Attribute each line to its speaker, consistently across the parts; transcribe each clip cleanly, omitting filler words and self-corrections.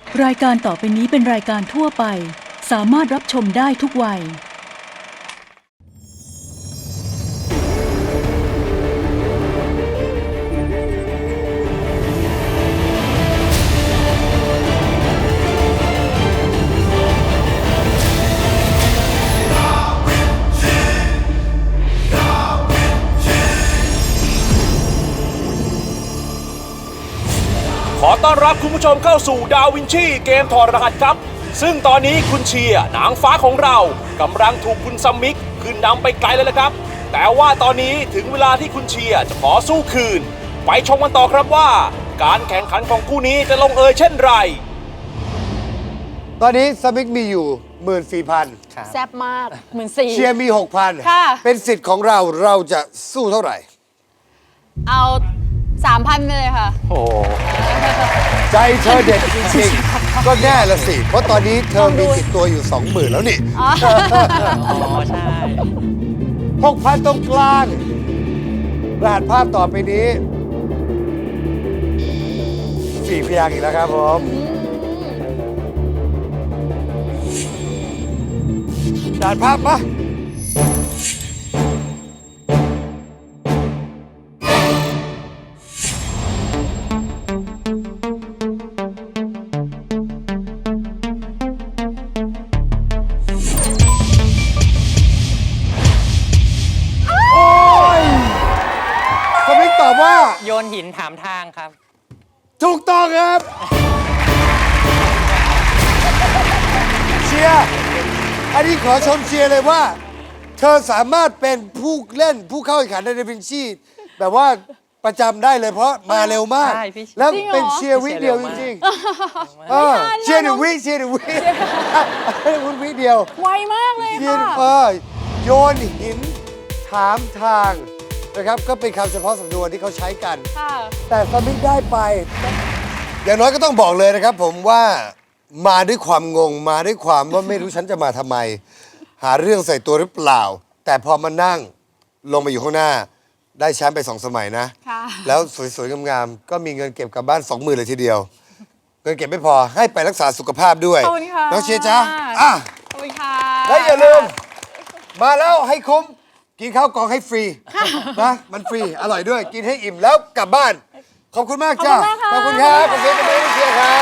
Speaker 1: รายการต่อไปนี้เป็นรายการทั่วไปสามารถรับชมได้ทุกวัย
Speaker 2: ขอต้อนรับคุณผู้ชมเข้าสู่ดาวินชีเกมถอดรหัสครับซึ่งตอนนี้คุณเชียร์นางฟ้าของเรากำลังถูกคุณซัมมิกขึ้นนำไปไกลเลยละครับแต่ว่าตอนนี้ถึงเวลาที่คุณเชียร์จะขอสู้คืนไปชมกันต่อครับว่าการแข่งขันของคู่นี้จะลงเอยเช่นไร
Speaker 3: ตอนนี้สมิกมีอยู่ 14,000
Speaker 4: แซ่บมาก14,000
Speaker 3: เชียร์มี 6,000
Speaker 4: ค่ะ
Speaker 3: เป็นสิทธิ์ของเราเราจะสู้เท่าไหร่
Speaker 4: เอา 3,000ไปเลยค่ะ
Speaker 3: ใจเธอเด็ดจริงๆ ก็แน่ละสิ เพราะตอนนี้เธอมีติดตัวอยู่ 20,000 แล้วนี่
Speaker 4: อ๋อ
Speaker 5: ใช่
Speaker 3: 6,000 ตรงกลาง รหัสภาพต่อไปนี้4พยางค์อีกแล้วครับผมรหัสภาพปะสมิกตอบว่า
Speaker 5: โยนหินถามทางครับ
Speaker 3: ถูกต้องครับ เชียร์อันนี้ขอชมเชียร์เลยว่า เธอสามารถเป็นผู้เล่นผู้เข้าแข่งขันในดาวินชีแบบว่าประจำได้เลยเพราะมาเร็วมาก
Speaker 5: ใช่พี่
Speaker 3: แล้ว
Speaker 4: จริงเหรอ
Speaker 3: เป็นเชียร์วิเดียวจ
Speaker 5: เชียร์เร็วมาก
Speaker 3: ริงๆเชียร์1 วิเชียร์1 วิคุณวิเดียว
Speaker 4: ไวมากเลย
Speaker 3: เชีย
Speaker 4: ค่ะ
Speaker 3: ร์โยนหินถามทางนะครับก็เป็นคำเฉพาะสำนวนที่เขาใช้กัน
Speaker 4: ค่ะ
Speaker 3: แต่สมิกได้ไป อย่างน้อยก็ต้องบอกเลยนะครับผมว่ามาด้วยความงงมาด้วยความว่าไม่รู้ฉันจะมาทำไม หาเรื่องใส่ตัวหรือเปล่า แต่พอมานั่งลงมาอยู่ข้างหน้า ได้แชมป์ไป2 สมัยนะ
Speaker 4: ค่ะ
Speaker 3: แล้วสวยๆงามๆก็มีเงินเก็บกลับบ้าน 20,000เลยทีเดียว เงินเก็บไม่พอให้ไปรักษาสุขภาพด้วย
Speaker 4: ขอบคุณค่ะ
Speaker 3: น้องเชียร์จ้าอ่ะ
Speaker 4: ขอบคุณค่ะ
Speaker 3: และอย่าลืม มาแล้วให้คุ้ม กินข้าวกล่องให้ฟรีนะมันฟรี อร่อยด้วย กินให้อิ่มแล้วกลับบ้าน ขอบคุณมากจ้าขอบคุณครับขอบคุณครับเชียร์ครับ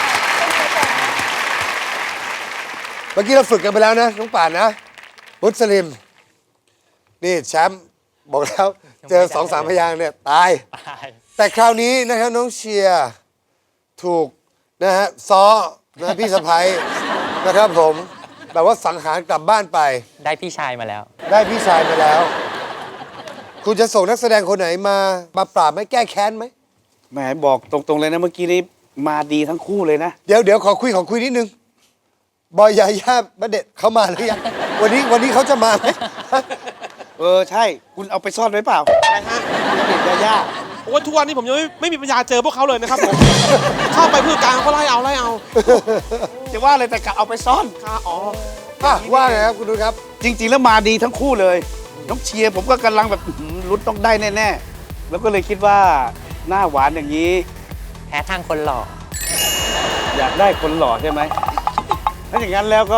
Speaker 3: เมื่อกี้เราฝึกกันไปแล้วนะน้องป่านนะ มุสลิม นี่แชมป์บอกแล้ว เจอ2-3 พยางค์เนี่ยตาย
Speaker 5: ตาย
Speaker 3: แต่คราวนี้นะครับน้องเชียร์ถูกนะฮะซ้อนะพี่สะพ้ยนะครับผมแบบว่าสังหารกลับบ้านไป
Speaker 5: ได้พี่ชายมาแล้ว
Speaker 3: ได้พี่ชายมาแล้ว คุณจะส่งนักแสดงคนไหนมาปราบไหมแก้แค้นไหม
Speaker 6: แหมบอกตรงๆเลยนะเมื่อกี้นี้มาดีทั้งคู่เลยนะ
Speaker 3: เดี๋ยวขอคุยนิดนึง บอยยาย่าณเดชน์เขามาหรือยังวันนี้เขาจะมาไหม
Speaker 6: ใช่ คุณเอาไปซ่อนไว้เปล่าอะไรฮะเด็กย่า
Speaker 7: โอ้ยทุกวันนี้ผมยังไม่มีปัญญาเจอพวกเขาเลยนะครับผม เข้าไปพืชกลางเขาไล่เอา
Speaker 6: จะว่าอะไรแต่กะเอาไปซ่อน
Speaker 7: ค่ะอ๋อ
Speaker 3: อ่ะว่าไงครับคุณดูครับ
Speaker 6: จริง ๆ แล้วมาดีทั้งคู่เลย น้องเชียร์ผมก็กำลังแบบลุ้นต้องได้แน่ๆ แล้วก็เลยคิดว่าหน้าหวานอย่างนี้
Speaker 5: แพ้ทางคนหล่อ
Speaker 6: อยากได้คนหล่อใช่ไหมถ้าอย่างนั้นแล้วก็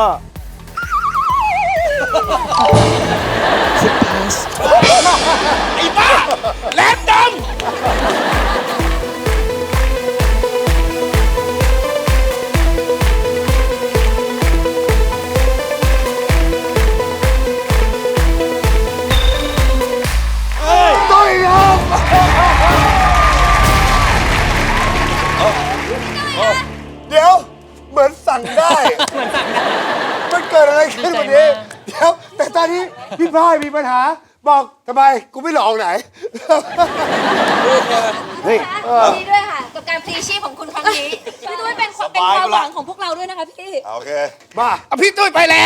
Speaker 7: ไอ้บ้าแหลมด
Speaker 3: ตุ้ยครับเดี๋ยวเหมือนสั่งได้ มันเกิดอะไรขึ้นวันนี้ เดี๋ยว แต่ตอนนี้พี่พายมีปัญหา บอกทำไมกูไม่หลอกไหน
Speaker 6: เฮ้ย
Speaker 8: ดีด้วยค่ะ กับการพลีชีพของคุณครั้งนี้ พี่ตุ้ยเป็นความหวังของพวกเราด้วยนะคะพี่
Speaker 3: โอเค มา
Speaker 6: เอาพี่ตุ้ยไปแล้ว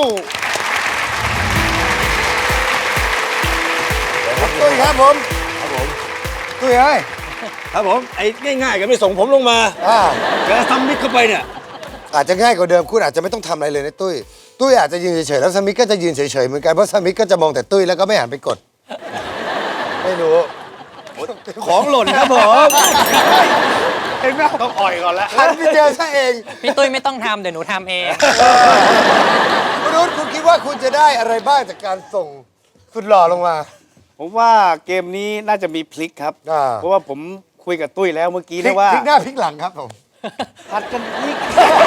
Speaker 3: ตุ้ยครับผม ตุ้ยเอ้ย
Speaker 2: ครับผมไอ้ง่ายๆก็ไม่ส่งผมลงมา
Speaker 3: อ่า
Speaker 2: แล้วซัมมิกเข้าไปเนี่ย
Speaker 3: อาจจะง่ายกว่าเดิมคุณอาจจะไม่ต้องทำอะไรเลยนะตุ้ย ตุ้ยอาจจะยืนเฉยๆแล้วสมิกก็จะยืนเฉยๆเหมือนกันเพราะสมิกก็จะมองแต่ตุ้ยแล้วก็ไม่หันไปกด ไม่รู้
Speaker 2: ของหล่นครับผม
Speaker 3: เ
Speaker 6: เห็นไหมต้องอ่อยก่อนแล้ว
Speaker 3: หันไปเจอซะเอง
Speaker 5: พี่ตุ้ยไม่ต้องทำเดี๋ยวหนูทำเอง
Speaker 3: คุณนุชคุณคิดว่าคุณจะได้อะไรบ้างจากการส่งสุดหล่อลงมา
Speaker 6: ผมว่าเกมนี้น่าจะมีพลิกครับ
Speaker 3: อ่า
Speaker 6: เพราะว่าผมคุยกับตุ้ยแล้วเมื่อกี้
Speaker 3: พลิ
Speaker 6: นะ
Speaker 3: ก
Speaker 6: ว่า
Speaker 3: พลิกหน้าพลิกหลังครับผม
Speaker 6: ผัดกันพลิก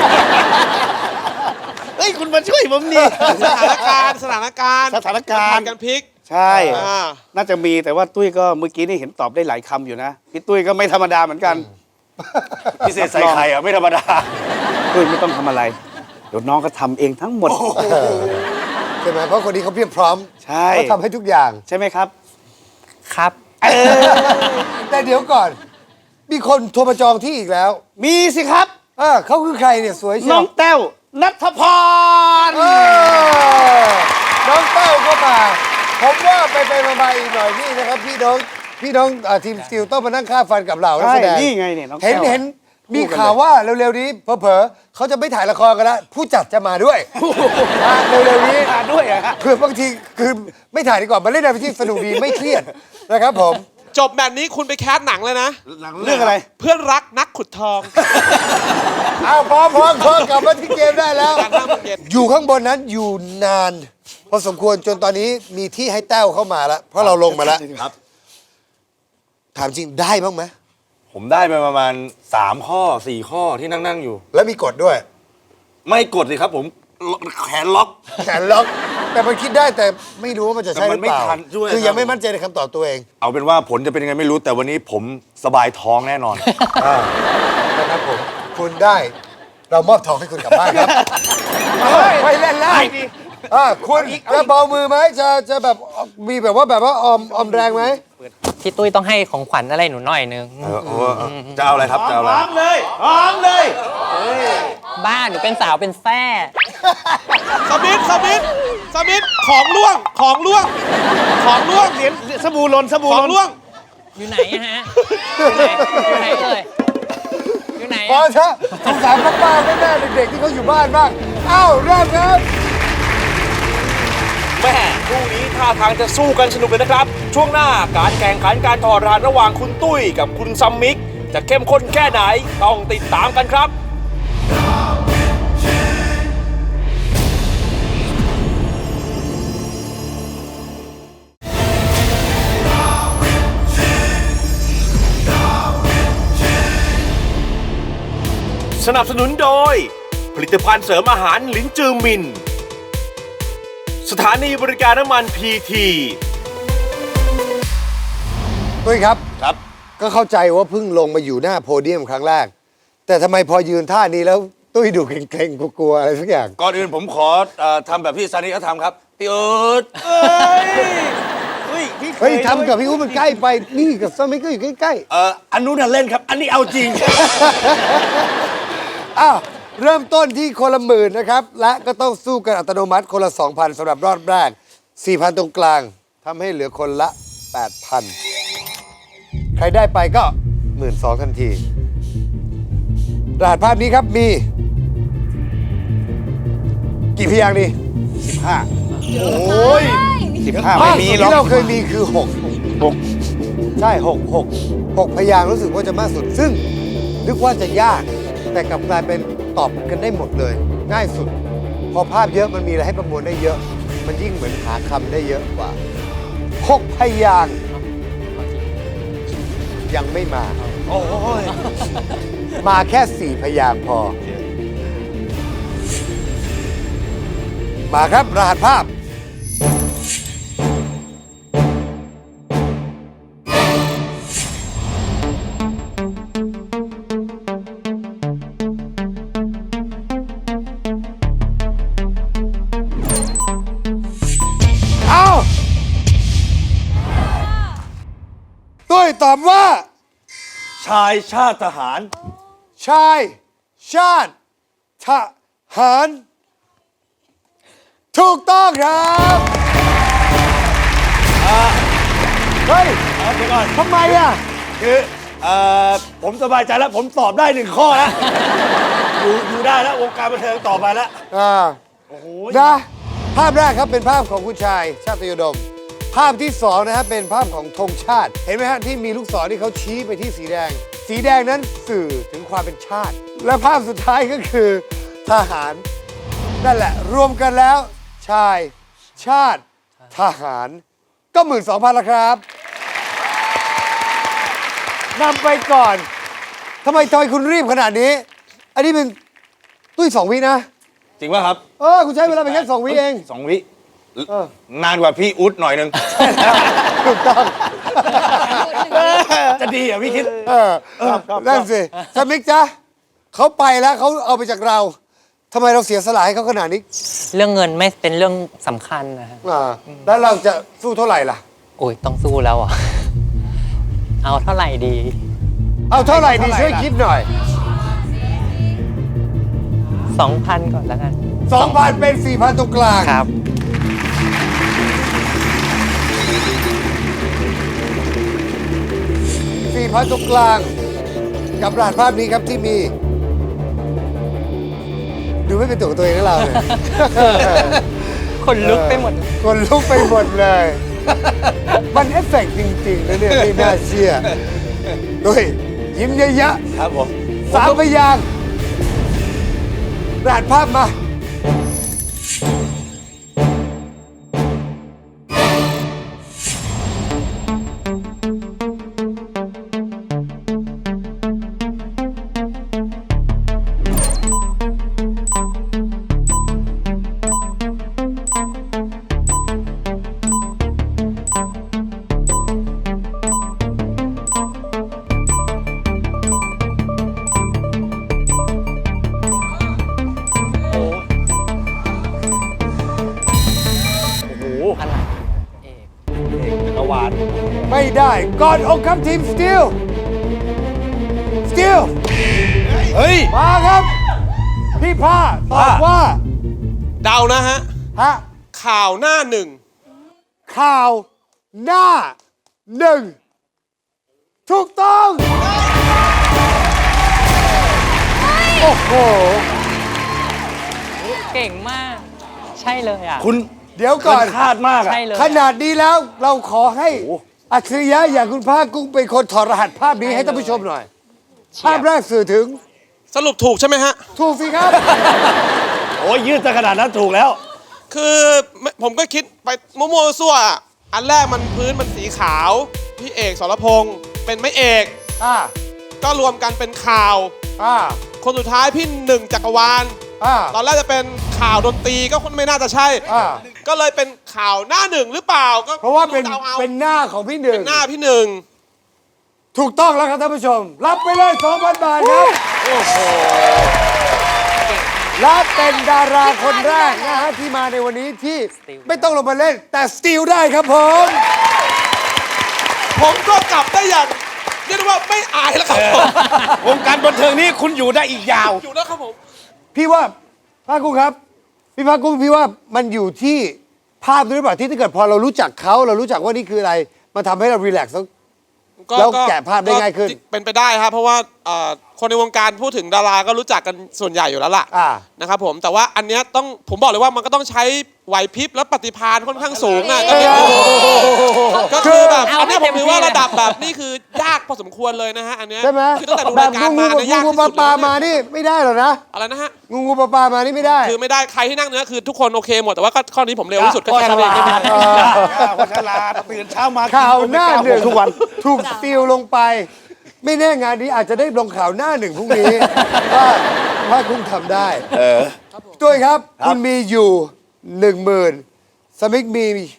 Speaker 6: เฮ้ย คุณมาช่วยผมดิ
Speaker 7: สถานการณ์
Speaker 6: สถานการณ์
Speaker 7: กันพลิก
Speaker 6: ใช่
Speaker 7: อ่า
Speaker 6: น่าจะมีแต่ว่าตุ้ยก็เมื่อกี้นี่เห็นตอบได้หลายคำอยู่นะ พี่ตุ้ยก็ไม่ธรรมดาเหมือนกัน
Speaker 9: พิเศษใส่ไข่อะไม่ธรรมดา
Speaker 6: ตุ้ยไม่ต้องทำอะไร เดี๋ยวน้องก็ทำเองทั้งหมด
Speaker 3: ใช่ไหมเพราะคนนี้เขาเพียบพร้อม
Speaker 6: ใช่
Speaker 3: เขาทำให้ทุกอย่าง
Speaker 6: ใช่ไหมครับ
Speaker 5: ครับ
Speaker 3: แต่เดี๋ยวก่อน มีคนโทรมาจองที่อีกแล้ว
Speaker 6: มีสิครับ
Speaker 3: เขาคือใครเนี่ยสวยเชี
Speaker 6: น้
Speaker 3: ย
Speaker 6: อง
Speaker 3: ว
Speaker 6: แต้วนัทพร
Speaker 3: น้องเต้าก็มา ผมว่าไปมาอีกหน่อยนี่นะครับ พี่น้องทีมสติลต้องมานั่งฆ่าฟันกับเรานัก
Speaker 6: ใช่
Speaker 3: แสดง
Speaker 6: นี่ไงเนี่ยน้อง
Speaker 3: เห็น
Speaker 6: แต้ว
Speaker 3: เห็นมีข่าวว่าเร็วๆนี้เผลอๆเขาจะไม่ถ่ายละครกันแล้วผู้จัดจะมาด้วยเร็วๆนี้
Speaker 6: มาด้วยอะฮะ
Speaker 3: คือบางทีคือไม่ถ่ายดีกว่ามาเล่นอะไรที่สนุกดีไม่เครียดนะครับผม
Speaker 7: จบแบบนี้คุณไปแคสหนังเลยนะ
Speaker 6: เรื่องอะไร
Speaker 7: เพื่อนรักนักขุดทอง
Speaker 3: เอาพร้อมกลับมาที่เกมได้แล้ว
Speaker 7: การห้าโมงเย็น
Speaker 3: อยู่ข้างบนนั้นอยู่นาน พอสมควรจนตอนนี้มีที่ให้แต้วเข้ามาแล้ว เพราะเราลงมาแล้ว
Speaker 9: ครับ
Speaker 3: ถามจริงได้บ้างไหม
Speaker 9: ผมได้ไปประมาณ3ข้อ4ข้อที่นั่งอยู่
Speaker 3: แล้วมีกฎด้วย
Speaker 9: ไม่กดเลยครับผมแขนล็อก
Speaker 3: แขนล็อก แต่มันคิดได้แต่ไม่รู้ว่ามันจะใช่หรือเปล่า
Speaker 9: แต่มันไม่ทันด้วย
Speaker 3: คือยังไม่
Speaker 9: ครับ
Speaker 3: มั่นใจในคำตอบตัวเอง
Speaker 9: เอาเป็นว่าผลจะเป็นยังไงไม่รู้แต่วันนี้ผมสบายท้องแน่นอน
Speaker 3: นะครับผมคุณได้ เรามอบทองให้คุณกลับบ้านครับไม่เล่นแล้วคุณจะเบามือไหมจะแบบมีแบบว่าออมแรงไหม
Speaker 5: พี่ตุ้ยต้องให้ของขวัญอะไรหนูหน่อยนึง
Speaker 9: จะเอาอะไรครับจะเอาอะไร
Speaker 6: พร้อมเลยพร้อมเลย
Speaker 5: บ้านหนูเป็นสาวเป็นแซ่
Speaker 7: สมิธของล่วง
Speaker 6: เหรียญสบู่หล่นสบู่
Speaker 7: ข
Speaker 6: ห
Speaker 7: อง
Speaker 6: ล่น
Speaker 7: ล่วง
Speaker 5: อยู่ไหนอะฮะ อยู่ไหนเอ่ยอยู่ไหน
Speaker 3: พอ
Speaker 5: อะ
Speaker 3: เถอะสงสารป้าๆแม่ๆเด็กๆที่เขาอยู่บ้านบ้างเอ้าเริ่มครับ
Speaker 2: แม่คู่นี้ท่าทางจะสู้กันสนุกเลยนะครับ ช่วงหน้าการแข่งขันการถอดรหัสระหว่างคุณตุ้ยกับคุณซัมมิก จะเข้มข้นแค่ไหนต้องติดตามกันครับ สนับสนุนโดย ผลิตภัณฑ์เสริมอาหารลิ้นจือมิน สถานีบริการน้ำมันพีที
Speaker 3: ตุ้ยครับ
Speaker 9: ครับ
Speaker 3: ก็เข้าใจว่าเพิ่งลงมาอยู่หน้าโพเดียมครั้งแรก แต่ทำไมพอยืนท่านี้แล้วตุ้ยดูเกรงๆกลัวๆอะไรสักอย่าง
Speaker 9: ก่อนอื่นผมขอทำแบบที่ซานิเขาทำครับพี่เอิร์ธ
Speaker 3: เฮ้ยทำกับพี่อุ้มมันใกล้ไป นี่กับซัมมิกก็อยู่ใกล้
Speaker 9: อันนู้นน่ะเล่นครับ อันนี้เอาจริง
Speaker 3: ๆ อ้าว เริ่มต้นที่คนละ10,000นะครับ และก็ต้องสู้กันอัตโนมัติคนละ 2,000สำหรับรอบแรก 4,000 ตรงกลางทำให้เหลือคนละ 8,000 ใครได้ไปก็ 12,000 ทันที รหัสภาพนี้ครับมี กี่พยางค์ดี
Speaker 6: 15 โอ้ย 15 ไม่
Speaker 3: มาก
Speaker 6: มี
Speaker 3: สุด
Speaker 6: หรอก
Speaker 3: ที่เราเคยมีคือ6ใช่6 พยางค์รู้สึกว่าจะมากสุด ซึ่งนึกว่าจะยาก แต่กลับกลายเป็นตอบกันได้หมดเลย ง่ายสุด พอภาพเยอะมันมีอะไรให้ประมวลได้เยอะ มันยิ่งเหมือนหาคำได้เยอะกว่า 6 พยางค์ยังไม่มา
Speaker 9: โอ้ย
Speaker 3: มาแค่ 4 พยางค์พอ มาครับ รหัสภาพ เอาตุ้ยตอบว่า
Speaker 9: ชายชาติทหาร
Speaker 3: ชาย ชาติ ทหาร ถูกต้องครับเฮ้ย
Speaker 9: เดี๋ยวก่อน
Speaker 3: ทำไมอ่ะ
Speaker 9: คือผมสบายใจแล้ว ผมตอบได้1ข้อแล้ว อยู่ได้แล้ว วงการบันเทิงต่อไปแล้ว
Speaker 3: นะภาพแรกครับเป็นภาพของคุณชายชาติยดม ภาพที่2นะครับเป็นภาพของธงชาติ เห็นไหมฮะที่มีลูกศรที่เขาชี้ไปที่สีแดง สีสีแดงนั้นสื่อถึงความเป็นชาติ และภาพสุดท้ายก็คือทหาร นั่นแหละ รวมกันแล้ว ชาย ชาติ ทหาร ก็ 12,000ละครับนำไปก่อนทำไมคุณรีบขนาดนี้ อันนี้เป็นตุ้ย2 วินะ
Speaker 9: จริงป่ะครับ
Speaker 3: คุณใช้เวลาไปแค่2 วิเอง
Speaker 9: 2 วินานกว่าพี่อุ๊ดหน่อยนึง
Speaker 3: ถูกต้อง
Speaker 9: จะดีเหรอพี่คิด
Speaker 3: นั่นสิสมิกจ๊ะเขาไปแล้วเขาเอาไปจากเราทำไมเราเสียสละให้เขาขนาดนี้
Speaker 5: เรื่องเงินไม่เป็นเรื่องสำคัญนะฮะ
Speaker 3: แล้วเราจะสู้เท่าไหร่ล่ะ
Speaker 5: โอ้ยต้องสู้แล้วอ่ะ เอาเท่าไหร่ดี
Speaker 3: เอาเท่าไหร่ดีช่วยคิดหน่อย
Speaker 5: 2,000 ก่อนแล้วกัน
Speaker 3: 2,000 เป็น 4,000 ตรงกลาง
Speaker 5: ครับ
Speaker 3: 4,000 ตรงกลาง กับรหัสภาพนี้ครับที่มี ดูไม่เป็นตัวของตัวเองนะเราเนี่ย
Speaker 5: คนลุกไปหมด
Speaker 3: คนลุกไปหมดเลย มันเอฟเฟกต์จริงๆนะเนี่ยไม่น่าเชื่อด้วยยิ้มเยอะ
Speaker 9: ครับผม
Speaker 3: ๆ3 พยางค์รหัสภาพมา
Speaker 5: อะไรเอก
Speaker 9: จักรวาล
Speaker 3: ไม่ได้ก่อนอกครับทีมสตีลสตีล
Speaker 9: เฮ้ย
Speaker 3: มาครับ พี่ผ้าตอบว่า
Speaker 7: เดานะฮะ
Speaker 3: ฮะ
Speaker 7: ข่าวหน้าหนึ่ง
Speaker 3: ข่าวหน้า 1 ถูกต้อง โอ้โห
Speaker 5: เก่งมาก ใช่เลยอ่ะ
Speaker 9: คุณ
Speaker 3: เดี๋ยวก่อน
Speaker 9: คาดมากอะ
Speaker 5: ใช่เลย
Speaker 3: ขนาดนี้แล้วเราขอให้อัจฉริยะอย่างคุณภาคกุ้งเป็นคนถอดรหัสภาพนี้ให้ท่านผู้ชมหน่อย ภาพแรกสื่อถึง
Speaker 7: สรุปถูกใช่ไหมฮะ
Speaker 3: ถูกสิครับ
Speaker 9: โอ้ยยืดจะขนาดนั้นถูกแล้ว
Speaker 7: คือผมก็คิดไปมั่วๆซั่วๆอ่ะอันแรกมันพื้นมันสีขาว พี่เอกสรพงษ์เป็นไม่เอก
Speaker 3: อ่า
Speaker 7: ก็รวมกันเป็นข่าว
Speaker 3: อ่า
Speaker 7: คนสุดท้ายพี่หนึ่งจักรวาล
Speaker 3: อ่า
Speaker 7: ตอนแรกจะเป็นข่าวดนตรีก็ไม่น่าจะใช่
Speaker 3: อ่า
Speaker 7: ก็เลยเป็นข่าวหน้าหนึ่งหรือเปล่าก็
Speaker 3: เพราะว่าเป็น
Speaker 7: ดเอา
Speaker 3: เป็นหน้าของพี่หนึ่ง
Speaker 7: เป็นหน้าพี่หนึ่ง
Speaker 3: ถูกต้องแล้วครับท่านผู้ชม รับไปเลย 2,000 บาทครับ โอ้โห และเป็นดาราคนแรกนะฮะที่มาในวันนี้ที่ไม่ต้องลงมาเล่น แต่สตีลได้ครับผม
Speaker 7: ผมก็กลับได้อย่างเรียกได้ว่าไม่อายแล้วครับผม
Speaker 9: วงการบันเทิงนี้คุณอยู่ได้อีกยาว
Speaker 7: อยู่แล้วครับผม
Speaker 3: พี่ว่าภาคกุ้งครับ พี่ภาคกุ้งพี่ว่ามันอยู่ที่ภาพด้วยหรือเปล่าที่ถ้าเกิดพอเรารู้จักเขาเรารู้จักว่านี่คืออะไร มันทำให้เรารีแลกซ์แล้วแกะภาพได้ง่ายขึ้น
Speaker 7: เป็นไปได้ครับ เพราะว่าคนในวงการพูดถึงดาราก็รู้จักกันส่วนใหญ่อยู่แล้วล่ะ
Speaker 3: อ่า
Speaker 7: นะครับผมแต่ว่าอันเนี้ยต้องผมบอกเลยว่ามันก็ต้องใช้ไหวพริบและปฏิภาณค่อนข้างสูงอ่ะก็นิดนึงก็คือแบบ
Speaker 5: เอา
Speaker 7: อัน
Speaker 5: ให้
Speaker 7: เนี้ยผมถือว่า
Speaker 5: เต็มที่
Speaker 7: ระดับแบบนี่คือยากพอสมควรเลยนะฮะอันเนี้ย
Speaker 3: ใช่ไหม
Speaker 7: คือตั้งแต่ดู
Speaker 3: แบ
Speaker 7: รา
Speaker 3: บ
Speaker 7: ยการ
Speaker 3: งู
Speaker 7: มาเนี่ยยาก
Speaker 3: งู
Speaker 7: ที่
Speaker 3: ปลา
Speaker 7: สุด
Speaker 3: ปลา
Speaker 7: เลย
Speaker 3: มา
Speaker 7: นะ
Speaker 3: นี่ไม่ได้หรอกนะ
Speaker 7: อะไรนะฮะ
Speaker 3: งูปลาปลามานี่ไม่ได้
Speaker 7: คือไม่ได้ใครที่นั่งเนื้อคือทุกคนโอเคหมดแต่ว่าก็ข้อนี้ผมเร็วที่สุดก็แค่นั้นเอง
Speaker 6: คนฉลาดตื่นเช้ามา
Speaker 3: ข่าวหน้าหนึ่ง
Speaker 6: ทุกวัน
Speaker 3: ถูกสตีลลงไป ไม่แน่งานนี้อาจจะได้ลงข่าวหน้าหนึ่งพรุ่งนี้ ว่าคุณทำได้ด้วยครับ คุณมีอยู่ 10,000 สมิกมี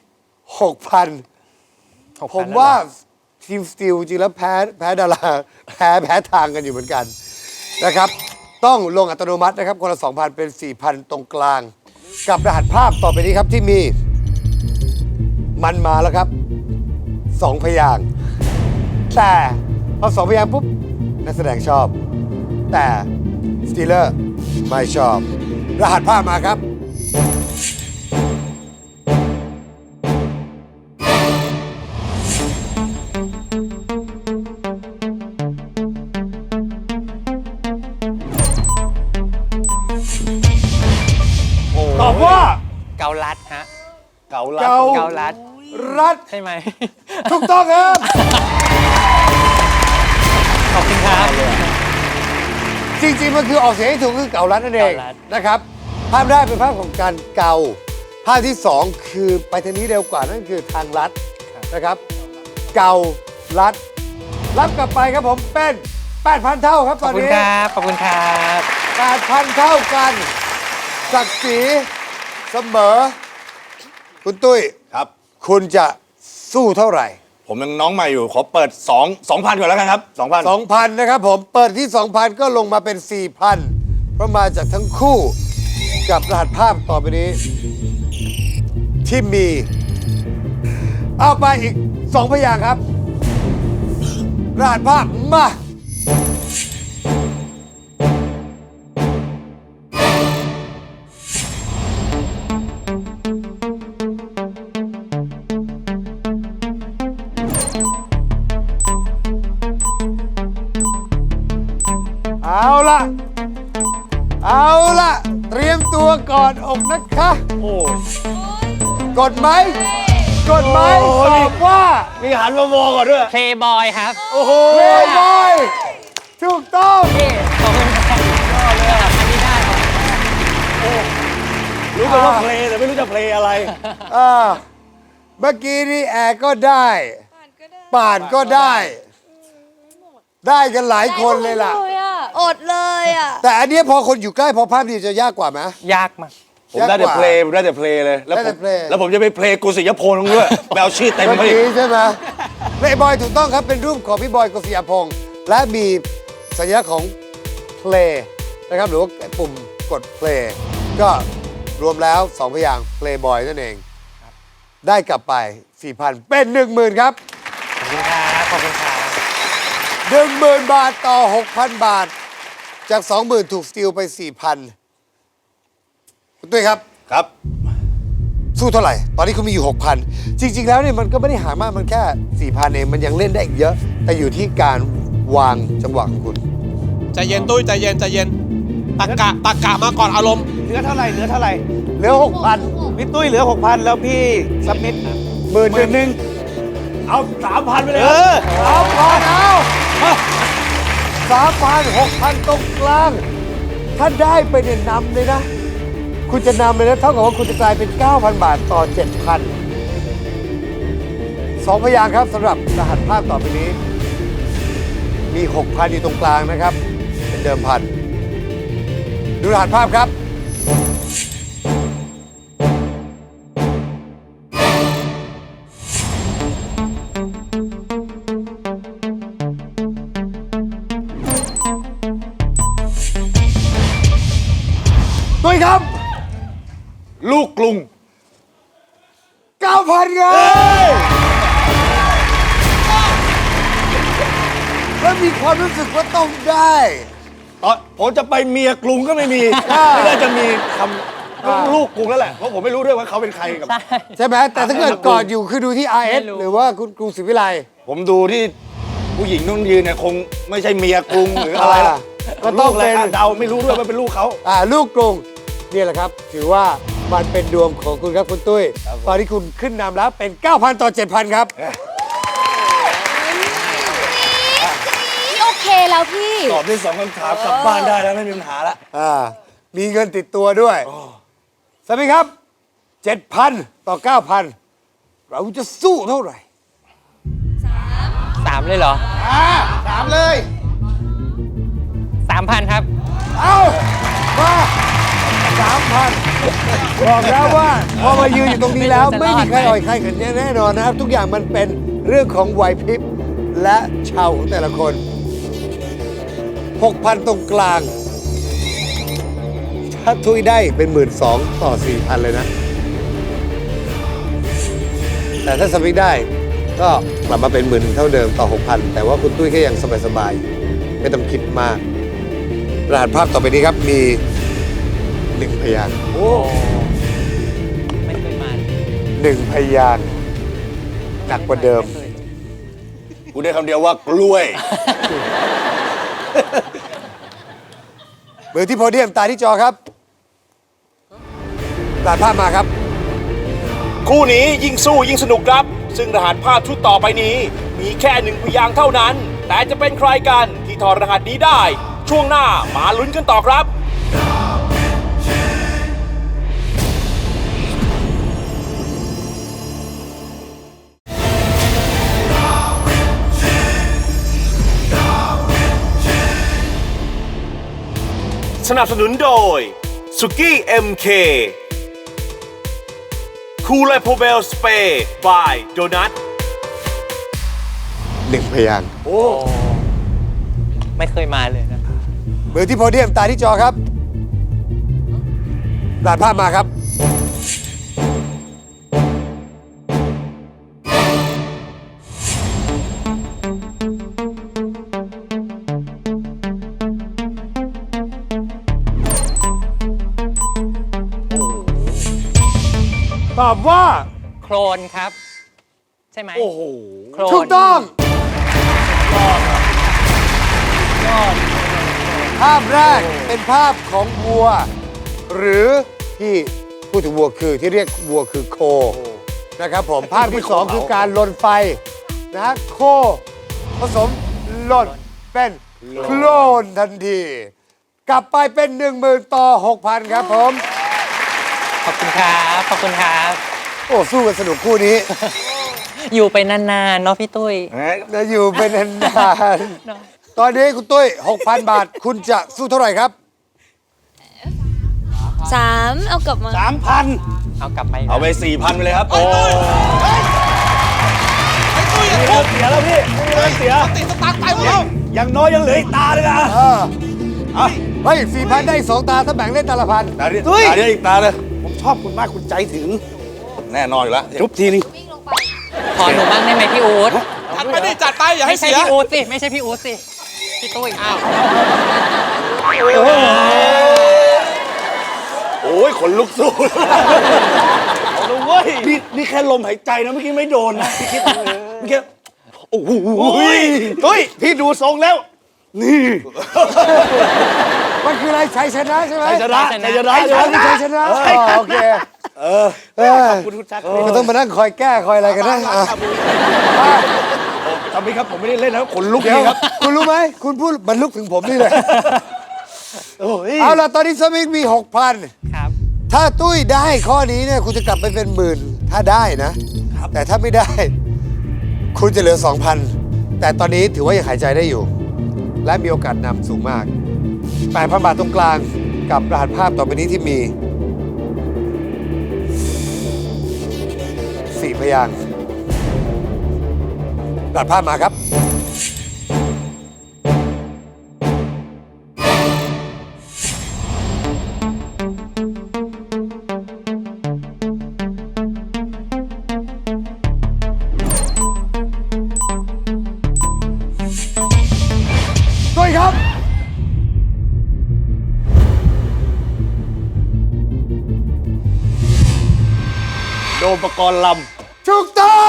Speaker 3: 6,000 ผมว่าทีมสตีลจริงแล้วแพ้ดาราแพ้ทางกันอยู่เหมือนกันนะครับ ต้องลงอัตโนมัตินะครับ คนละ 2,000 เป็น 4,000 ตรงกลาง กับรหัสภาพต่อไปนี้ครับที่มี มันมาแล้วครับ 2 พยางค์แต่พอ2 พยางค์ปุ๊บ นักแสดงชอบ แต่สตีลเลอร์ไม่ชอบ รหัสภาพมาครับ ตอบว่า
Speaker 5: เกาลัดฮะ
Speaker 9: เก่าลัด
Speaker 3: เกา
Speaker 5: เกาลัด
Speaker 3: รัด
Speaker 5: ใช่ไหม
Speaker 3: ถูกต้องครับ
Speaker 5: ขอบคุณครับ
Speaker 3: จริงๆมันคือออกเสียงให้ถูกคือเก่ารัดนั่นเอง
Speaker 5: เก่ารัด
Speaker 3: นะครับ ภาพแรกเป็นภาพของการเกา ภาพที่ 2 คือไปทางนี้เร็วกว่านั่นคือทางลัดนะครับ เกาลัด รับกลับไปครับผมเป็น 8,000 เท่าครับต
Speaker 5: ขอ
Speaker 3: อบ น
Speaker 5: คุณ
Speaker 3: นี้
Speaker 5: ครับ ขอบคุณครับ
Speaker 3: 8,000 เท่ากันศักดิ์ศรีเสมอ คุณตุ้ย
Speaker 9: ครับ
Speaker 3: คุณจะสู้เท่าไหร่
Speaker 9: ผมยังน้องใหม่อยู่ ขอเปิด 2,000 ก่อนแล้วกันครับ 2,000
Speaker 3: 2,000 นะครับผม เปิดที่ 2,000 ก็ลงมาเป็น 4,000 เพราะมาจากทั้งคู่กับรหัสภาพต่อไปนี้ ที่มี เอาไปอีก 2 พยางค์ครับ รหัสภาพมา เอาละเอาละเตรียมตัวก่อนอกนะคะ
Speaker 9: โอ้
Speaker 3: กดไหมกดไหม
Speaker 9: โอ้
Speaker 3: ต
Speaker 9: ย
Speaker 3: อบว่า
Speaker 9: มีหันมามองก่อนด้วย
Speaker 5: เพลย์บอยครับ
Speaker 9: โอ้โห
Speaker 3: เพลย์บอยถูกต้อง
Speaker 5: ขอบคุณครับยอดเลยอ่ะอันนี้ได้ครับ
Speaker 9: รู้แต่ว่าเพลงแต่ไม่รู้จะเพลงอะไร
Speaker 3: อ่าเมื่อกี้นี่แอร์ก็ได้ป่านก็ได้ ได้กันหลายคนเลยล่ะ
Speaker 8: อดเลยอ่ะ
Speaker 3: แต่อันเนี้ยพอคนอยู่ใกล้พอภาพดีจะยากกว่าไหม
Speaker 5: ยากมาก
Speaker 9: ผมได้แต่เพลงผมได้แต่เพลงเลย แล้ว
Speaker 3: ได้
Speaker 9: ผ
Speaker 3: แต่
Speaker 9: ม
Speaker 3: เพลง
Speaker 9: แล้วผมจะไปเพลงกุศิยพงษ์ด้วยไปเอาชื่อเต็ม
Speaker 3: เมื่อ
Speaker 9: มาอีก
Speaker 3: กี้ใช่ไหมเพลย์บอยถูกต้องครับเป็นรูปของพี่บอยกฤษยาพงษ์และมีสัญลักษณ์ของเพลงนะครับหรือว่าปุ่มกดเพลงก็รวมแล้ว 2 พยางค์เพลย์บอยนั่นเอง ได้กลับไป 4,000 เป็น 10,000 ครับ
Speaker 5: ขอบคุณครับ ขอบคุณครับ
Speaker 3: 10,000 บาทต่อ 6,000 บาท จาก 20,000 ถูกสตีลไป 4,000 คุณตุ้ยครับ
Speaker 9: ครับ
Speaker 3: สู้เท่าไหร่ ตอนนี้คุณมีอยู่ 6,000 จริง ๆ แล้วเนี่ยมันก็ไม่ได้หามาก มันแค่ 4,000 เอง มันยังเล่นได้อีกเยอะ แต่อยู่ที่การวางจังหวะของคุณ
Speaker 7: ใจเย็นตุ้ยใจเย็นใจเย็นตักกะมาก่อนอารมณ์
Speaker 6: เหลือเท่าไหร่เหลือเท่าไหร่
Speaker 3: เหลือ 6,000
Speaker 6: พี่ตุ้ยเหลือ 6,000 แล้วพี่ซับมิด
Speaker 3: หมื่นหนึ่ง
Speaker 9: เอา 3,000 ไปเลย
Speaker 6: เอ
Speaker 9: ครับ
Speaker 6: อ
Speaker 3: 3,000 6,000 ตรงกลาง ถ้าได้ไปเนี่ยนำเลยนะ คุณจะนำเลยนะ เท่ากับว่าคุณจะกลายเป็น 9,000 บาทต่อ 7,000 2 พยางค์ครับสำหรับรหัสภาพต่อไปนี้ มี 6,000 อยู่ตรงกลางนะครับ เป็นเดิมพัน ดูรหัสภาพครับ ด้วยครับ
Speaker 9: ลูกกรุง
Speaker 3: 9,000เงินแล้วมีความรู้สึกว่าต้องได้
Speaker 9: ตอนผมจะไปเมียกรุงก็ไม่มี ไม่ได้จะมีคำลูกกรุงแล้วแหละ เพราะผมไม่รู้ด้วยว่าเขาเป็นใครกับ
Speaker 3: ใช่ไหม แต่ถ้าเกิดก่อนอยู่คือดูที่ RS
Speaker 5: ไม่รู้
Speaker 3: หรือว่าคุณกรุงศรีวิไล
Speaker 9: ผมดูที่ผู้หญิงต้องยืนเนี่ยคงไม่ใช่เมียกรุงหรืออะไรล่ะ
Speaker 3: ก็ต้อง
Speaker 9: ลูะไร
Speaker 3: เป็น
Speaker 9: เดาไม่รู้ด้วยว่าเป็นลูกเขา
Speaker 3: ลูกกรุงนี่แหละครับ ถือว่ามันเป็นดวงของคุณครับคุณตุ้ย ตอนนี้คุณขึ้นนำแล้วเป็น 9,000 ต่อ 7,000 ครับ
Speaker 8: พี่โอเคแล้วพี่
Speaker 9: ตอบได้2 คำถามกลับบ้านได้แล้วไม่มีปัญหาละ
Speaker 3: มีเงินติดตัวด้วยสวัสดีครับ 7,000 ต่อ 9,000 เราจะสู้เท่าไหร่
Speaker 5: 3 เลยเหรอ
Speaker 6: ถามเลย
Speaker 5: 3,000 ครับ
Speaker 3: เอามา 3,000 บอกแล้วว่าพอมายืนอยู่ตรงนี้แล้ว ไม่มีใครอ่อยใครกันแน่นอนนะครับ ทุกอย่างมันเป็นเรื่องของไหวพริบและชาวของแต่ละคน 6,000 ตรงกลาง ถ้าทุยได้เป็น 12,000 ต่อ 4,000 เลยนะ แต่ถ้าสมิกได้ก็กลับมาเป็น 10,000 เท่าเดิมต่อ 6,000 แต่ว่าคุณตุ้ยก็ยังสบายๆไม่ต้องคิดมาก รหัสภาพต่อไปนี้ครับมี 1 พยางค์
Speaker 5: โอ้ ไม่เคยมา
Speaker 3: 1 พยางค์หนักกว่าเดิม
Speaker 9: กูได้คำเดียวว่ากล้วย
Speaker 3: มือที่โพเดียมตาที่จอครับตัดภาพมาครับ
Speaker 2: คู่นี้ยิ่งสู้ยิ่งสนุกครับ ซึ่งรหัสภาพชุดต่อไปนี้ มีแค่ 1 พยางค์เท่านั้น แต่จะเป็นใครกันที่ถอดรหัสนี้ได้ ช่วงหน้ามาลุ้นกันต่อครับ สนับสนุนโดยสุกี้ MK คูลโพเบลสเปย์บายโดนัท
Speaker 3: 1 พยางค์
Speaker 5: ไม่เคยมาเลยนะ
Speaker 3: มือที่โพเดียมตาที่จอครับรหัสภาพมาครับ
Speaker 9: ตอบว่า
Speaker 5: โคลนครับ ใช่ไหม
Speaker 9: โอ้โห
Speaker 5: โคลน
Speaker 3: ถูกต้อง ภาพแรกเป็นภาพของวัว หรือที่พูดถึงวัวคือที่เรียกวัวคือโคนะครับผม ภาพที่ 2 คือการลนไฟนะฮะโคผสมลนเป็นโคลนทันที กลับไปเป็น 10,000 ต่อ 6,000 ครับผม
Speaker 5: ขอบคุณครับ ขอบคุณครับ
Speaker 3: โอ้สู้กันสนุกคู่นี้
Speaker 5: อยู่ไปนานๆเนาะพี่ตุ้ย
Speaker 3: จะอยู่เป็นนานๆตอนนี้คุณตุ้ย 6,000 บาท คุณจะสู้เท่าไหร่ครับ
Speaker 8: 3 เอากลับมา
Speaker 9: 3,000
Speaker 5: เอากลับไป
Speaker 9: เอาไป 4,000 ไปเลยครับ โอ้
Speaker 7: ไอ้ตุ้ย
Speaker 9: ไม่มีเรื่องเสียแล้วพี่ไม่มีเรื่องเสีย
Speaker 7: ติดสตางค์ไปหมดแล้ว
Speaker 9: อย่างน้อยยังเหลืออีกตาเลยนะ
Speaker 3: เฮ้ย 4,000 ได้ 2 ตา ถ้าแบ่งเล่นตาละพัน
Speaker 9: ตาเดียวอีกตาเลย
Speaker 6: ผมชอบคุณมากคุณใจถึง
Speaker 9: แน่นอนอยู่แล้ว
Speaker 6: จุ๊บทีนึง
Speaker 5: ขอหนูบ้างได้ไหไหมพี่อู๊ด
Speaker 7: จัดไปดิจัดไปอย่าให้
Speaker 5: ไม่ใช่
Speaker 7: เสีย
Speaker 5: พี่อู๊ดสิ ไม่ใช่พี่อู๊ดสิ พี่ตุ้ย อ้าว
Speaker 9: โอ้ยขนลุกสู้เอาเลยเว้ยนี่แค่ลมหายใจนะเมื่อกี้ไม่โดนนะพี่คิดเมื่อกี้โอ้โห
Speaker 6: ตุ้ยพี่ดูทรงแล้ว
Speaker 9: นี่
Speaker 3: มันคืออะไรชัยชนะใช่ไหม
Speaker 9: ชัยชนะชัยชนะ
Speaker 3: ชัยชนะโอเค
Speaker 6: ขอบคุณคุณชัก
Speaker 3: ก็ต้องมานั่งคอยแก้คอยอะไรกันนะอ่ะ
Speaker 9: ทำไมครับผมไม่ได้เล่นนะขนลุก
Speaker 3: เดี๋ยว
Speaker 9: นี่ครับ
Speaker 3: คุณรู้ไหม คุณพูดมันลุกถึงผมนี่เลย
Speaker 9: โอ้ย
Speaker 3: เอาล่ะ ตอนนี้สมิงมี 6,000
Speaker 5: ครับ
Speaker 3: ถ้าตุ้ยได้ข้อนี้เนี่ย คุณจะกลับไปเป็นหมื่น ถ้าได้นะ แต่ถ้าไม่ได้ คุณจะเหลือ 2,000 แต่ตอนนี้ถือว่ายังหายใจได้อยู่ และมีโอกาสนำสูงมาก 8,000 บาทตรงกลางกับรหัสภาพต่อไปนี้ที่มี 4 พยางค์รหัสภาพมาครับ ด้วยครับ
Speaker 9: โดมประกรณ์ล
Speaker 3: ถูกต้อง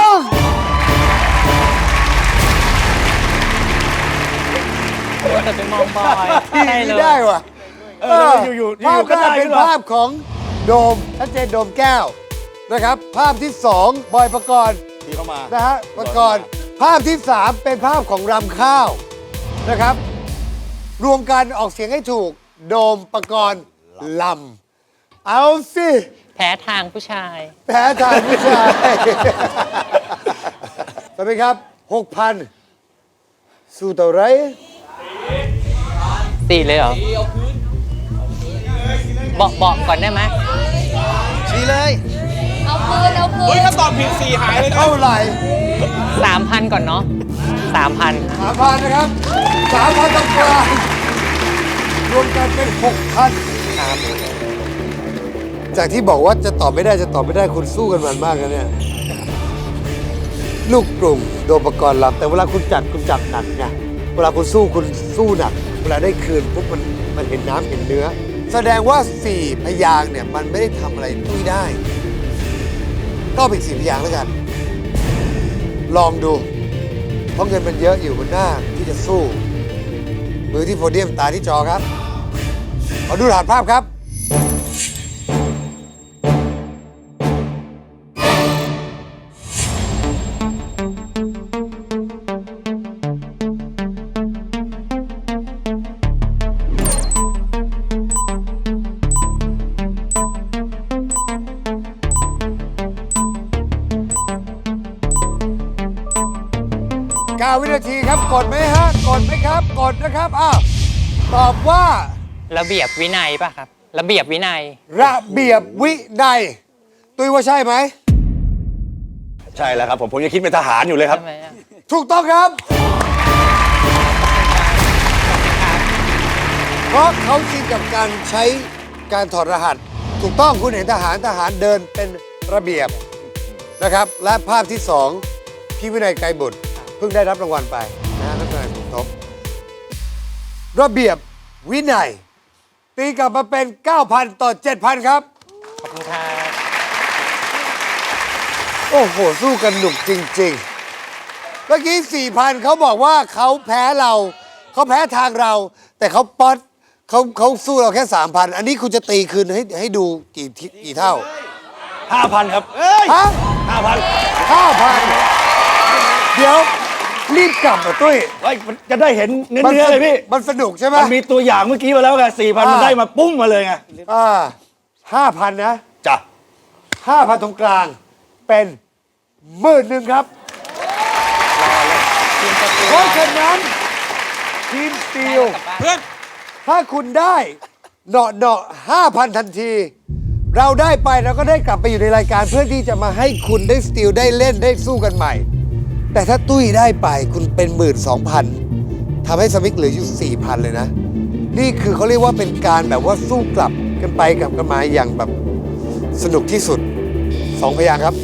Speaker 5: แต่ไปมองบอยใช่เลย
Speaker 3: ได้ว่ะ
Speaker 9: ำอยู่ๆ
Speaker 3: ภาพ
Speaker 9: ก็
Speaker 3: แร
Speaker 9: ได้
Speaker 3: กเป็น
Speaker 9: ขึ้นมา
Speaker 3: ภาพของโดมชัดเจนโดมแก้วนะครับ ภาพที่ 2 บอยประกรณ์
Speaker 9: ที่เข้ามา
Speaker 3: นะฮะประกรณ์ภาพที่ 3 เป็นภาพของรำข้าวนะครับ รวมกันออกเสียงให้ถูก โดมประกรณ์ลำเอาสิ
Speaker 5: แพ้ทางผู้ชาย
Speaker 3: แพ้ทางผู้ชายสวัสดีครับ 6,000 สู้ต่อไร
Speaker 5: 4 เลยเหรอ บอกก่อนได้ไหม
Speaker 6: ชี้เลย
Speaker 8: เอาคืน เอาคื
Speaker 7: เฮ้ย
Speaker 8: น
Speaker 7: ถ้าตอบผิด4หายเลยนะ
Speaker 3: เท่าไหร่
Speaker 5: 3,000 ก่อนเนาะ 3,000
Speaker 3: 3,000 นะครับ 3,000ตรงกลางรวมกันเป็น 6,000
Speaker 5: ครับ
Speaker 3: จากที่บอกว่าจะตอบไม่ได้จะตอบไม่ได้คุณสู้กันมันมากนะเนี่ย ลูกกลุ่มโดมประกรณ์ลำแต่เวลาคุณจับหนักไงเวลาคุณสู้หนัก เวลาได้คืนปุ๊บมันเห็นน้ำเห็นเนื้อ แสดงว่า 4 พยางค์เนี่ย มันไม่ได้ทำอะไรตุ้ยได้ ก็เป็น4 พยางค์แล้วกัน ลองดู เพราะเงินมันเยอะอยู่บนหน้าที่จะสู้ มือที่โพเดียมตาที่จอครับ ขอดูรหัสภาพครับ 9 วินาทีครับ กดไหมฮะ กดไหมครับ กดนะครับ อ้าว ตอบว่า
Speaker 5: ระเบียบวินัยป่ะครับ ระเบียบวินัย
Speaker 3: ระเบียบวินัย ตุ้ยว่าใช่ไหม
Speaker 9: ใช่แล้วครับผมยังคิดเป็นทหารอยู่เลยครับ
Speaker 5: ใช่ไหมอะ
Speaker 3: ถูกต้องครับ เพราะเขาชินกับการใช้การถอดรหัส ถูกต้องคุณเห็นทหารเดินเป็นระเบียบนะครับ และภาพที่ 2 พี่วินัยไกรบุตรเพิ่งได้รับรางวัลไปนะฮะนักแสดงสมทบระเบียบวินัย ตีกลับมาเป็น 9,000 ต่อ 7,000 ครับ
Speaker 5: ขอบคุณครับ
Speaker 3: โอ้โห สู้กันหนุกจริงๆ เมื่อกี้ 4,000 เขาบอกว่าเขาแพ้เรา เขาแพ้ทางเรา แต่เขาป๊อตเขาสู้เราแค่ 3,000 อันนี้คุณจะตีคืนให้ดูกี่เท่า
Speaker 9: 5,000 ครับ
Speaker 3: ฮะ
Speaker 9: 5,000
Speaker 3: 5,000 เดี๋ยว รีบกลับมาตุ้ย
Speaker 9: เฮ้ยมันจะได้เห็นเนื้อเลยพี่
Speaker 3: มันสนุกใช่ไหม
Speaker 9: มันมีตัวอย่างเมื่อกี้มาแล้วไง4,000 มันได้มาปุ้งมาเลยไง
Speaker 3: 5,000 นะ
Speaker 9: จ้ะ
Speaker 3: 5,000 ตรงกลาง เป็น11,000 ครับ เพราะฉะนั้นทีมสตีล
Speaker 7: เพื่อน
Speaker 3: ถ้าคุณได้เนาะ 5,000 ทันที เราได้ไปเราก็ได้กลับไปอยู่ในรายการเพื่อที่จะมาให้คุณได้สตีลได้เล่นได้สู้กันใหม่ แต่ถ้าตุ้ยได้ไปคุณเป็น 12,000ทำให้สมิกเหลืออยู่ 4,000 เลยนะ นี่คือเขาเรียกว่าเป็นการแบบว่าสู้กลับกันไปกลับกันมาอย่างแบบสนุกที่สุด 2 พยางค์ครับ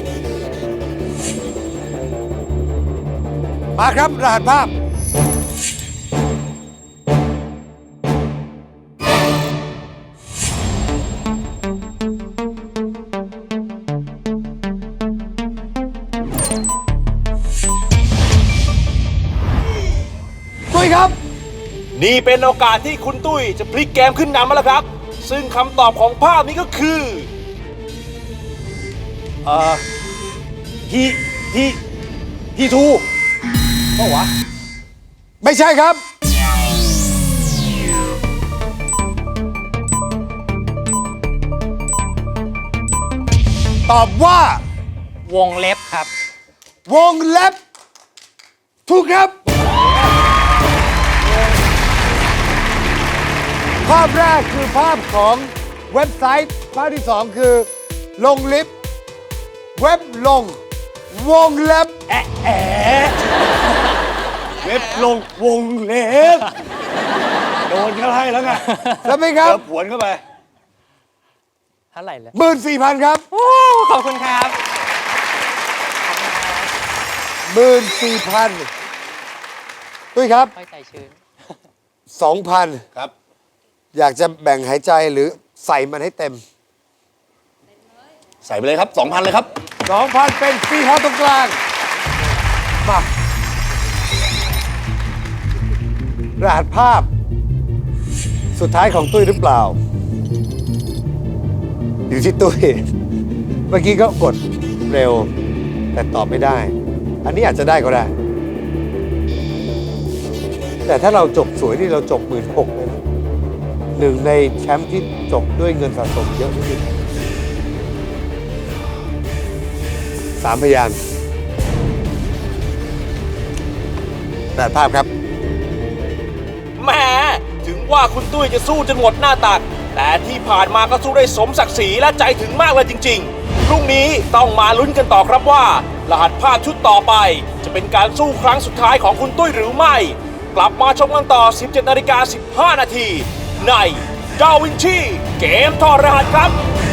Speaker 3: มาครับรหัสภาพ ตุ้ยครับ
Speaker 2: นี่เป็นโอกาสที่คุณตุ้ยจะพลิกเกมขึ้นนำมาแล้วครับ ซึ่งคำตอบของภาพนี้ก็คือ
Speaker 9: ทีทูเปล่าวะ
Speaker 3: ไม่ใช่ครับ ตอบว่า
Speaker 5: วงเล็บครับ
Speaker 3: วงเล็บ ถูกครับ ภาพแรกคือภาพของเว็บไซต์ ภาพที่ 2 คือ ลงลิฟต์เว็บลง วงเล็บ
Speaker 9: เว็บลงวงเล็บ โดนเขาให้แล้วไง
Speaker 3: แล้วไหมครับ
Speaker 9: เดี๋ยวผวนเข้าไป
Speaker 5: เท่าไหร่เลย
Speaker 3: 14,000 ครับ
Speaker 5: ขอบคุณครับ
Speaker 3: 14,000 ตุ้ยครับ
Speaker 5: ค่อยใจชื้น
Speaker 3: 2,000
Speaker 9: ครับ
Speaker 3: อยากจะแบ่งหายใจหรือใส่มันให้เต็ม
Speaker 9: ใส่ไปเลยครับ 2,000 เลยครับ
Speaker 3: 2,000 เป็น4,000 ตรงกลาง มารหัสภาพ สุดท้ายของตุ้ยหรือเปล่า อยู่ที่ตุ้ย เมื่อกี้ก็กดเร็ว แต่ตอบไม่ได้ อันนี้อาจจะได้ก็ได้ แต่ถ้าเราจบสวยนี่เราจบ16,000เลยนะหนึ่งในแชมป์ที่จบด้วยเงินสะสมเยอะที่สุด3 พยางค์แต่ภาพครับ
Speaker 2: แหมถึงว่าคุณตุ้ยจะสู้จนหมดหน้าตัก แต่ที่ผ่านมาก็สู้ได้สมศักดิ์ศรีและใจถึงมากเลยจริงๆ พรุ่งนี้ต้องมาลุ้นกันต่อครับว่า รหัสภาพชุดต่อไป จะเป็นการสู้ครั้งสุดท้ายของคุณตุ้ยหรือไม่ กลับมาชมกันต่อ 17:15 นาทีในดาวินชีเกมถอดรหัสครับ